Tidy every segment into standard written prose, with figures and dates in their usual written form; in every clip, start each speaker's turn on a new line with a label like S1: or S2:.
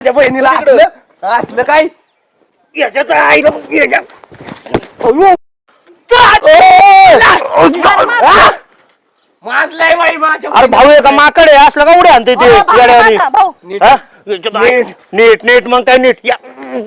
S1: त्या बहिणीला असलं असलं काय याच्यात आईला माजलाय बाई माझ्या.
S2: अरे भाऊ एका माकड आहे असलं का उड्या आणते ते येड्यावानी. हा? नीट नीट मग काय नीट या.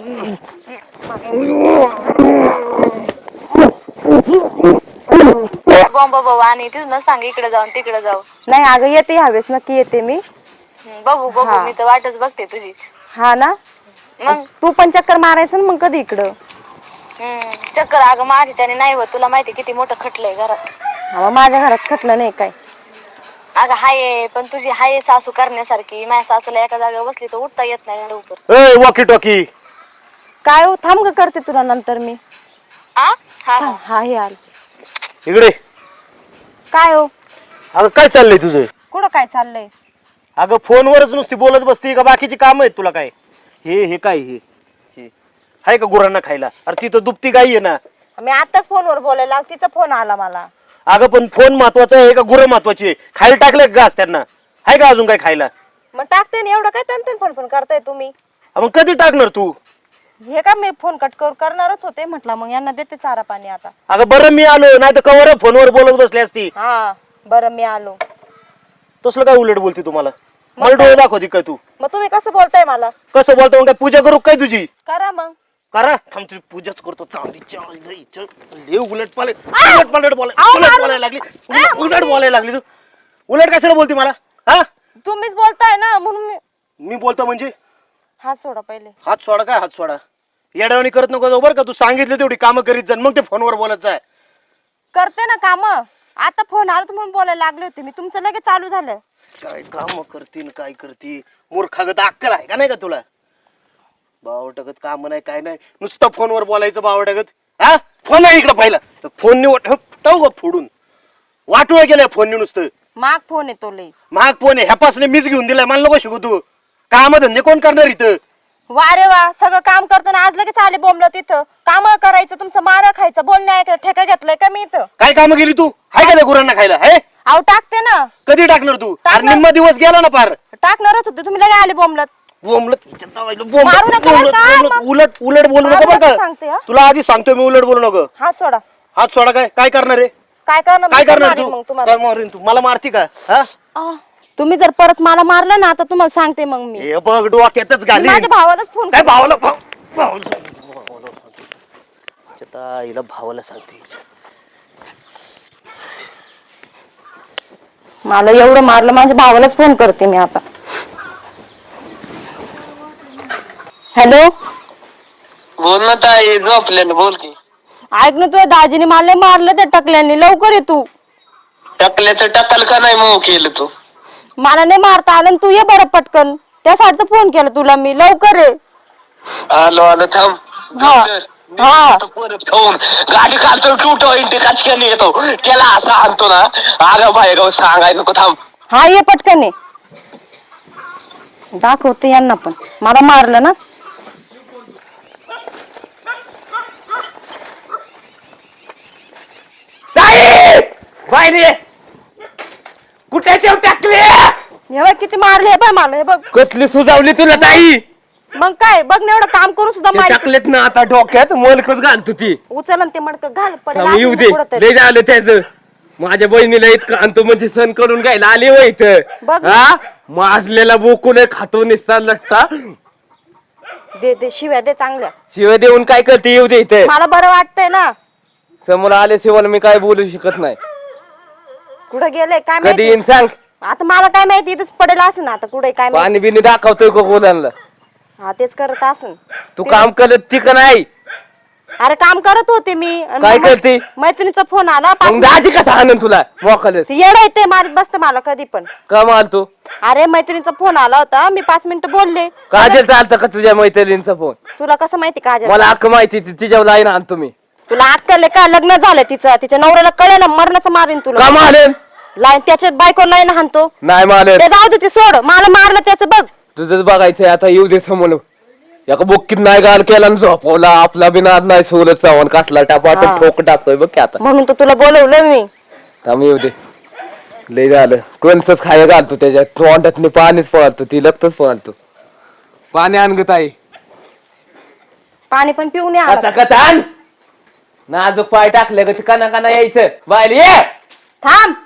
S3: बॉम्ब बाबा आणि तिथून सांग इकडे जाऊन तिकडे जाऊ.
S4: नाही अगं येते ह्यावेळेस नक्की येते मी.
S3: बघू बघू
S4: हा.
S3: मी तर वाटच बघते तुझी.
S4: हा ना
S3: मग
S4: तू पण चक्कर मारायचं ना मग कधी इकडं.
S3: चक्कर अगं माझ्याच्याने नाही होत, तुला माहिती किती मोठं खटलंय घरात.
S4: हा माझ्या घरात खटलं नाही काय.
S3: अगं हाय पण तुझी हाय सासू करण्यासारखी. माझ्या सासूला एका जागेवर बसली तर उठता येत नाही लवकर.
S2: ए वॉकी टॉकी
S4: काय हो थांब ग करते तुला नंतर मी.
S3: हा हा
S4: हा हे आल.
S2: इकडे.
S4: काय हो
S2: अगं काय चाललंय तुझं?
S4: कुठं काय चाललंय?
S2: अगं फोनवरच नुसती बोलत बसती का बाकीची काम आहेत तुला काय? हे काय हे आहे का गुरांना खायला? अरे ती तर दुपती गाई आहे ना.
S4: मी आताच फोनवर बोलायला तिचा फोन आला मला.
S2: अगं पण फोन महत्वाचा आहे का गुरं महत्वाची आहे? खायला टाकले घास त्यांना? आहे का अजून काय खायला?
S4: मग टाकते ना एवढं काय तन फोन करताय तुम्ही.
S2: मग कधी टाकणार तू?
S4: हे का मी फोन कट करणारच होते म्हटलं मग यांना देते चारा पाणी आता.
S2: अगं बरं मी आलो नाही तर कवर फोनवर बोलत बसली असती.
S4: हा बरं मी आलो.
S2: तसलं काय उलट बोलती तुम्हाला? मला डोळे दाखवती काय तू?
S4: मग तुम्ही कसं बोलताय मला?
S2: कसं बोलतो मग काय पूजा करू काय तुझी?
S4: करा मग.
S2: करा थांब तुझी पूजाच करतो. चांगली उलट बोलायला लागली. उलट बोलायला लागली तू. उलट कशाला बोलती मला? हा
S4: तुम्हीच बोलताय ना म्हणून
S2: मी बोलतो म्हणजे?
S4: हात सोडा पहिले.
S2: हात सोडा काय? हात सोडा. येड्यावानी करत नको जाऊ बरं का. तू सांगितलं तेवढी कामं करीत जा मग ते फोनवर बोलत जाय.
S4: करते ना काम. आता फोन आला म्हणून बोलायला लागले होते मी. तुमचं लगेच चालू झालं.
S2: काय काम करतीन काय करती? मूर्खागत अक्कल आहे का नाही का तुला? बावटगत काम नाही काय नाही नुसतं फोनवर बोलायचं बावटगत. हा फोन आहे इकडं पहिला. फोन टाऊ फोडून वाटूळ गेलाय फोन नुसतं.
S4: माग फोन येतो लई.
S2: महाग फोन आहे ह्यापासून मीच घेऊन दिलाय. मला नको शिकू तू. काम धंदे कोण करणार इथं?
S4: वा रे वा सगळं काम करताना आज लगेच आले बोंबलं तिथं. काम करायचं तुमचं मारा खायचं बोलणं ऐकायचं ठेका घेतलंय का मी इथं?
S2: काय कामं केली तू? हाय का त्या गुरांना खायला? हे
S4: अहो टाकते ना.
S2: कधी टाकणार तू? अरे
S4: टाकणार.
S2: निम्मा दिवस गेला ना पार.
S4: टाकणारच होते तुम्ही लगे आले बोंबलत. मारू नका बरं का?
S2: उलट उलट बोलू नको बरं का.
S4: सांगते हा.
S2: तुला आधी सांगतोय मी उलट बोलू नको.
S4: हात सोडा.
S2: हात सोडा. काय काय करणार आहे?
S4: काय करणार?
S2: काय
S4: मी
S2: करणार
S4: मारीन
S2: तू?
S4: मग तुम्हाला.
S2: काय मारीन तू? मला मारती का? हा
S4: तुम्ही जर परत मला मारलं ना आता तुम्हाला सांगते मग मी.
S2: हे बघ डोक्यातच घाली.
S4: माझ्या भावालाच फोन
S2: काय भावाला सांगते.
S4: मला एवढं मारलं माझ्या भावालाच फोन करते मी आता. हॅलो
S5: बोल ना ताई झोपले ना बोल की.
S4: ऐक ना तुझ्या दाजीने मला मारलं त्या टकल्याने. लवकर ये तू.
S5: टाकल्याचं टाकाल का नाही मग केलं तू?
S4: मला नाही मारता आलं तू ये बरं पटकन. त्यासाठी फोन केला तुला मी. लवकर ये.
S5: आलो आलो थांब.
S4: हा
S5: परत खाऊन गाडी खालतो टुटो इंटी काचक्याने येतो त्याला असा आणतो ना. अगं बाय गाव सांगाय नको थांब.
S4: हा ये पटकन ये. दाखवते यांना पण मला मारलं ना.
S1: बाहेर कुठे ठेव टाकले?
S4: हे बघ किती मारले. हे बघ मला. हे बघ
S1: कसली सुजावली तुला ताई?
S4: मग काय बघ ना एवढं काम करून सुद्धा मारली.
S1: टाकलेत ना आता डोक्यात मोलकत घालतो ती.
S4: उचल आणि ते मडकं घाल पडेल
S1: थांब, येऊ
S4: असं
S1: दे.
S4: कुठंतरी.
S1: लय झालं त्याच. माझ्या बहिणीला इतकं आणतो म्हणजे सण करून घ्यायला आली हो इथं.
S4: बघ.
S1: हा माजलेला बोकून खातो निसता लट्टा.
S4: दे दे शिव्या दे चांगल्या.
S1: शिवाय देऊन काय करते? येऊ दे इथे.
S4: मला बरं वाटतंय ना.
S1: समोर आल्याशिवाय मी काय बोलू शकत नाही.
S4: कुठं गेले काय
S1: कधी
S4: माहिती.
S1: येईन सांग.
S4: आता मला काय माहिती इथंच पडेल असं ना. आता कुठे काय माहिती.
S1: पाणी बिनी दाखवतोय का गोलांना?
S4: हा तेच करत असन.
S1: तू काम करत ती का नाही?
S4: अरे काम करत होते मी. आणि
S1: काय
S4: मग
S1: करते?
S4: मैत्रिणीचा फोन आला.
S1: मग दाजी कसा आणून तुला मोकल?
S4: येडा येते मारत बसते मला कधी पण.
S1: का माल तू?
S4: अरे मैत्रिणीचा फोन आला होता. मी 5 मिनिटं बोलले.
S1: काजल चालतं का तुझ्या मैत्रिणींचा फोन?
S4: तुला कसं माहिती काजल?
S1: मला अख्ख माहिती तिच्यावर लाईन आणतो मी.
S4: तुला अक्कल आहे का? लग्न झालं तिचं. तिच्या नवऱ्याला कळलं ना मरणाचं मारीन तुला.
S1: का मारेन?
S4: लाईन त्याच्या बायको लाईन हाणतो.
S1: नाही मारेन.
S4: ते जाऊ दे ते सोड. मला मारलं त्याचं बघ.
S1: तुझंच बघायचंय आता. येऊ दे समोर. एका बुक्कीत नाही गाल केला आणि झोपवला. आपला बिना नाही सोलत चावून कसला टापा
S4: हा.
S1: ठोक टाकतोय बघ की आता.
S4: म्हणून तर तुला बोलवलं मी.
S1: थांब येऊ दे. लय झालं. कंसच खायला घालतो त्याच्यात. तोंडात पाणीच पळतो. ती लगतच पळतो. पाणी आणगत आहे
S4: पाणी पण पिऊन या
S1: आता कथान नाजूक पाय टाकलं का काना काना यायचं बाहेर ये
S4: थांब.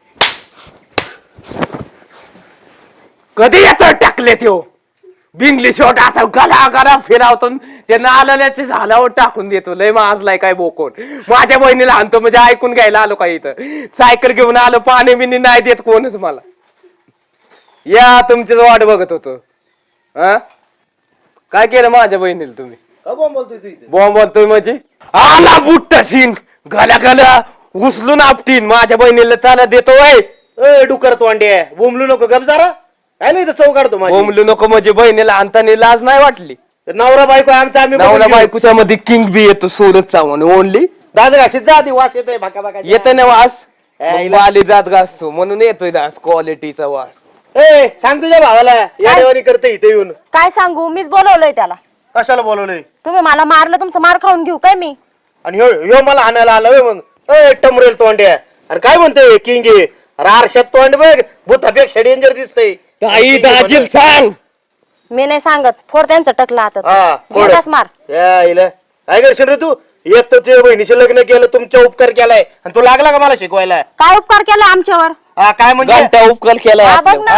S1: कधी येतो टाकले त्यो बिंगली शॉट असा गला गला फिरावतो ते नाल्याचे झाल्यावर टाकून देतो लय माजलाय काय बोकोन माझ्या बहिणीला आणतो म्हणजे ऐकून घ्यायला आलो काय इथं सायकल घेऊन आलो पाणी बिनी नाही देत कोणच मला या तुमचीच वाट बघत होतो हा काय केलं माझ्या बहिणीला तुम्ही
S2: बॉम्ब बोलतोय तू इथे
S1: बॉम्ब बोलतोय म्हणजे आला बुट्टा शिन गल्या गल्या उचलून आपटीन माझ्या बहिणीला चाला देतो वय
S2: ए डुकर तोंडे बोंबलू नको गप जरा काय नाही चौ काढतो माझी
S1: बोंबलू नको म्हणजे बहिणीला आणताना लाज नाही वाटली
S2: नवरा बायको आमचा आम्ही
S1: नवला
S2: बघून घेऊ.
S1: बायकोच्या मध्ये किंग बी येतो सोरत चव्हाण ओनली
S2: दाद घाशीत जा आधी वास येतोय भाका भाका
S1: येतो ना वास
S2: ए,
S1: मग आली जात घासतो म्हणून येतोय दास क्वालिटीचा वास
S2: ए सांग तुझ्या भावाला याडेवानी करते इथे येऊन
S4: काय सांगू मीच बोलवलंय त्याला.
S2: कशाला बोलवलंय
S4: तुम्ही मला मारलं तुमचं मार खाऊन घेऊ काय मी.
S2: आणि ह्यो मला हाणायला आला होय मग ए टमरेल तोंड्या अरे काय म्हणतोय किंग अरे आरशात तोंड बघ भूतापेक्षा डेंजर दिसतंय
S1: काही दाजील सांग
S4: मी नाही सांगत फोड त्यांचं टकलं
S2: हा,
S4: आता
S2: फोड.
S4: घेतास मार.
S2: या इला काय करशील रे तू एक तर तुझ्या बहिणीचे लग्न केलं तुमचा उपकार केलाय आणि तू लागला का मला शिकवायला
S4: काय उपकार केला आमच्यावर.
S2: हा काय म्हणजे
S1: घंटा उपकल केला
S4: हा, बघ ना.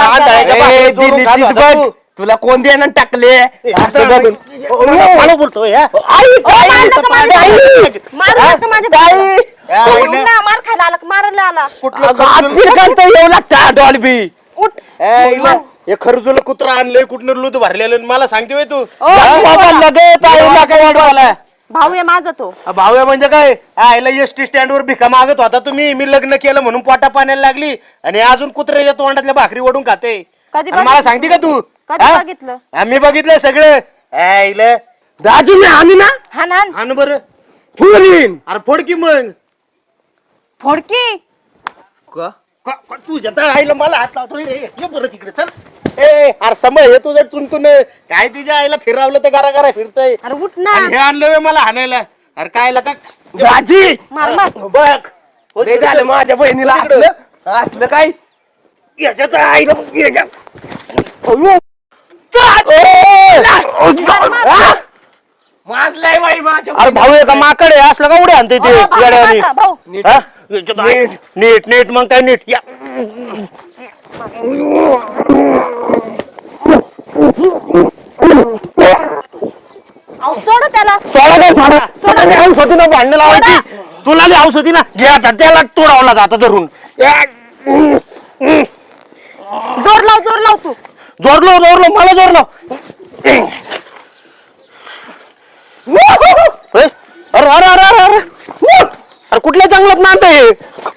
S1: बघ तुला कोण देणं टाकले असं बघून
S2: मला बोलतोय हा?
S4: मारलं का माझ्या
S2: आई!
S4: मारलं का माझ्या बाईला?
S2: या
S4: सोडून
S2: इला.
S4: ना, मार खायला आला मारायला आला.
S2: कुठलं
S1: अगं, हात
S2: खरजुल-
S1: फिरकायचं येऊ लागतं डॉल्बी
S4: उठ.
S2: ए, इला. हे खरजुल कुत्रा आणलंय कुठनं लूत भरलेलं आणि मला सांगते होय तू
S4: ओ, भाऊ आहे माझा तो.
S2: भाऊया म्हणजे काय आईला एसटी स्टँड वर भिका मागत होता तुम्ही मी लग्न केलं म्हणून पोटा पाण्याला लागली आणि अजून कुत्र्याच्या तोंडातल्या भाकरी ओढून खाते
S4: कधी
S2: आणि मला सांगते का तू
S4: कधी
S2: हा?
S4: बघितलं?
S2: आम्ही बघितलंय सगळं आईला
S1: दाजीने आणि ना
S4: हान हान
S2: हान बरं
S1: फुलीन
S2: अरे फोड की मग
S4: फोडकी.
S2: तुझ्या तर आईला मला हात लावतोय रे ये बरं तिकडे चल ए अरे समज हे तुझं तुंतून काय तुझ्या आईला फिरवलं तर गारा गारा फिरतय
S4: अरे उठ ना.
S2: आणि हे आणलं व्हय मला हाणायला अरे काय का
S1: दाजी
S4: मार मार.
S1: बघ लय झालं माझ्या बहिणीला असलं असलं काय
S2: याच्यात आईला
S1: माजलाय बाई माझ्या
S2: अरे भाऊ एका माकड आहे असलं का उड्या आणते ते
S4: ओ, भाऊ,
S2: येड्यावानी?
S4: माझा भाऊ.
S2: हा? नीट नीट मग काय नीट या
S4: अहो, सोड त्याला.
S2: औषधीला भांडण लावायची तुला बी औषधी ना घे आता त्याला तोडावला जाता धरून
S4: जोर लाव तू.
S2: जोरलो मला जोरलो अरे अरे अरे अरे अरे अरे कुठल्या जंगलात नांद आहे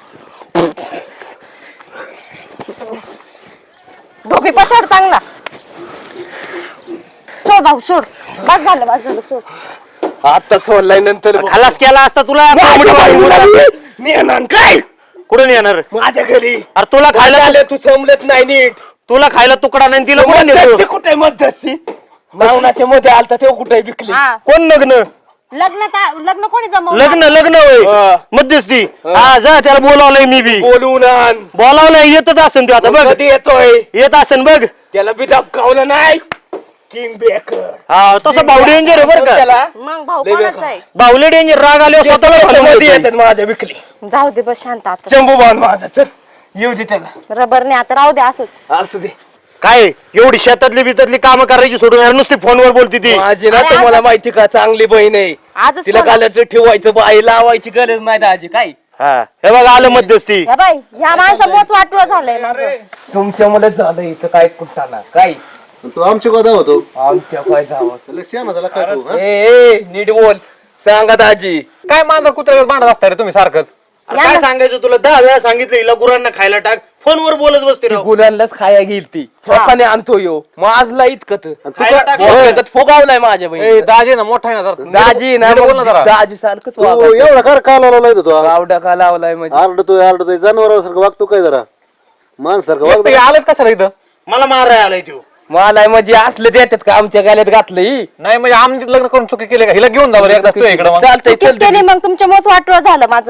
S4: धोपी पछाड चांगला. सोड भाऊ सोड. बस झालं सोड.
S1: आता सोडलाय नंतर
S2: खलास केला असता तुला
S1: काय
S2: कुठून येणार
S1: माझ्या घरी
S2: अरे तुला खायला
S1: आले तू समजत नाही नीट
S2: तुला खायला तुकडा नाही तिला कोण नेतो?
S1: मध्यस्थी कुठे मध्यस्थी नावनाच्या मध्ये आलता तेव्हा कुठे विकली
S4: हा
S2: कोण लग्न
S4: लग्न कोणी जमवलं.
S2: लग्न होय
S1: हा.
S2: मध्यस्थी हा जा त्याला बोलावलंय मी बी
S1: बोलून आण
S2: बोलावलंय येतच असेल ते आता बघ
S1: कधी येतोय
S2: येत असेल बघ
S1: त्याला बी दबकावलं नाही किंग बेकर
S2: हा तसं भाऊ डेंजर आहे बरं का
S1: त्याला
S4: मग भाऊ
S1: लय
S4: कोणाचा
S1: बेकार.
S4: आहे.
S2: बाहुले डेंजर राग आले स्वतःला
S1: मध्ये
S2: घालून
S1: येतात माझ्या विकली
S4: जाऊ दे बस शांत आता.
S1: शंभू बांध माझा चल येऊ दे त्याला
S4: रबरने आता राहू दे असंच.
S1: असू दे
S2: काय एवढी शेतातली बितातली कामं करायची सोडून यार नुसती फोनवर बोलती ती
S1: माझी ना
S4: अरे
S1: तुम्हाला
S4: आता-
S1: माहिती का चांगली बहीण आहे
S4: आजच
S1: तिला
S4: फोन-
S1: कालच ठेवायचं बाई लावायची गरज नाही दाजी काय
S2: हा हे बघ आलं मध्यस्थी
S4: या बाई ह्या माणसं मोच वाटलं झालंय माझं.
S1: तुमच्या मुलं झालं इथं काय कुठाना काय
S6: तू आमच्या गोदा होतो
S1: आमच्या काय जावं
S6: त्याला शेणा झाला काय तू हा?
S1: ए नीट बोल सांगा दाजी काय मांजर कुत्र्यावर भांडत असता रे तुम्ही सारखंच
S2: अरे काय सांगायचं तुला 10 वेळा सांगितलं हिला गुरांना खायला टाक फोनवर बोलत बसते राव.
S1: गुलांनाच खाया गेली ती स्वतःने आणतो यो माझला इतकत
S2: खायला टाक.
S1: फुगावलाय माझ्या बहिणी
S7: दाजी ना मोठा आहे ना जरा.
S1: दाजी ना
S7: नीट बोल ना जरा.
S1: दाजी सारखंच
S6: तू एवढा कर का लावला तू
S1: गावडा का लावलाय म्हणजे
S6: आरडतोय जनावरासारखं वागतो काय जरा माणसारखं
S7: एकटं
S6: वागतो
S7: आलंच कसं रे इथं
S2: मला मारायला आलाय तू
S1: मला म्हणजे असलं देतात का आमच्या गाल्यात घातलं
S7: नाही म्हणजे आमची लग्न करून चुकी केली का हिला घेऊन जा बरं एकदा तू इकडे मग
S1: चालतंय
S4: चुकीच केली
S1: चल
S4: मग तुमच्या मोच वाटलं झालं माझं.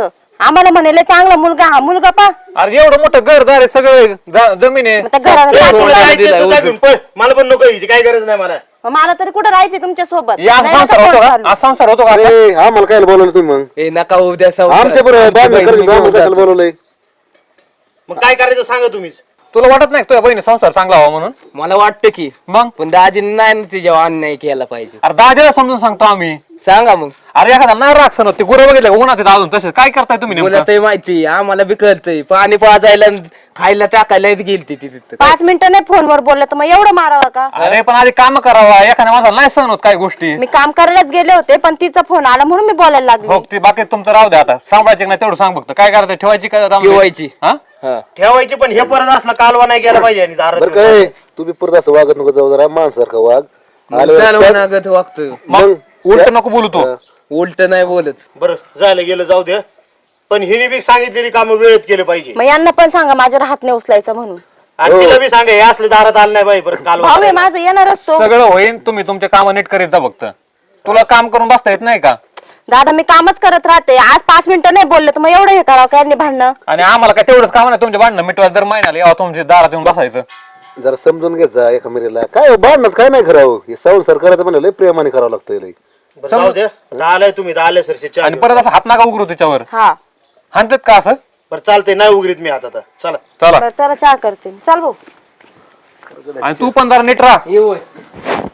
S4: आम्हाला म्हणाले चांगला मुलगा हा मुलगा पा
S7: अरे एवढं मोठं घरदार आहे सगळं जमीन आहे.
S4: मग त्या घराला
S2: ए,
S4: काय
S2: तुला
S4: केलं?
S2: जायचं तर जा घेऊन पळ. मला पण नको यायची काही गरज नाही मला.
S4: मग मला तरी कुठं राहायचंय तुमच्या सोबत
S7: हे आज संसार होतो का? आज संसार होतो का?
S6: अरे आम्हाला काय बोलवलं तुम्ही मग
S1: ए नका उद्या
S6: आमच्या बरोबर कशाला बोलवलंय
S2: मग काय करायचं सांगा तुम्हीच.
S7: तुला वाटत नाही का तुझ्या बहिणी संसार चांगला व्हावा म्हणून?
S1: मला वाटतं की
S7: मग
S1: पण दाजीने नाही ना तिच्यावर अन्याय केला पाहिजे.
S7: अरे दादाला समजून सांगतो आम्ही.
S1: सांगा मग.
S7: अरे एखादा नाही राग सण ते गुरं बघितलं उन्हात येतं अजून तसे काय करताय तुम्ही
S1: मला
S7: नेमकं?
S1: ते माहिती आम्हाला बी कळतंय पाणी पाजायला आणि खायला टाकायला गेलती ती तिथं
S4: 5 मिनिटं नाही फोनवर बोललं तर मग एवढं मारावं का?
S7: अरे पण आधी काम करावा एखाद्या माझा नाही सहन होत काही गोष्टी.
S4: मी काम करायलाच गेले होते पण तिचा फोन आला म्हणून मी बोलायला लागले.
S7: हो ते बाकी तुमचं राहू द्या आता सांभाळायची नाही तेवढं सांग फक्त काय करायचं ठेवायची काय
S1: ठेवायची.
S7: हा
S1: हा.
S2: ठेवायची पण हे परत असलं कालवा नाही केला पाहिजे आणि दारात
S6: बरं काय तू बी परत असं वागत नको जाऊ जरा माणसारखं वाग
S1: चालवणागत वागतं
S7: मग उलट नको बोलू तू.
S1: उलट नाही बोलत.
S2: बरं झालं गेलं जाऊ दे. पण हिने बी सांगितलेली कामं वेळेत केले पाहिजे.
S4: मग यांना पण सांगा माझ्यावर हात नाही उचलायचा म्हणून.
S2: आणि तिला बी सांगा हे असले दारात आलं नाही पाहिजे परत कालवा
S4: भाऊ आहे
S2: करायला.
S4: माझं येणारच तो.
S7: सगळं होईन तुम्ही तुमचे काम नीट करीत जा फक्त. तुला काम करून बसता येत नाही का?
S4: दादा मी कामच करत राहते आज 5 मिनिटं नाही बोलले तर मग एवढं हे करावं काय नाही भांडणं.
S7: आणि आम्हाला काय तेवढंच काम नाही तुमचे भांडणं मिटवायला दर महिन्याला यावं तुमच्या दारात येऊन बसायचं.
S6: जरा समजून घेत जा एका मिरीला काय भांडणात काय नाही करावं हे संसार करायचं म्हणजे लय प्रेमाने करावं लागतं लय.
S2: बरं, जाऊ दे. आलाय तुम्ही आले सरचे
S7: आणि परत असं हात नाका उघडू त्याच्यावर.
S4: हा
S7: हाणतात का असं?
S2: बरं चालतंय नाही उघडीत मी आता चला.
S7: चला
S4: बरं चला चहा करते चल भाऊ.
S7: आणि तू पण जरा नीट राहा.
S1: येऊ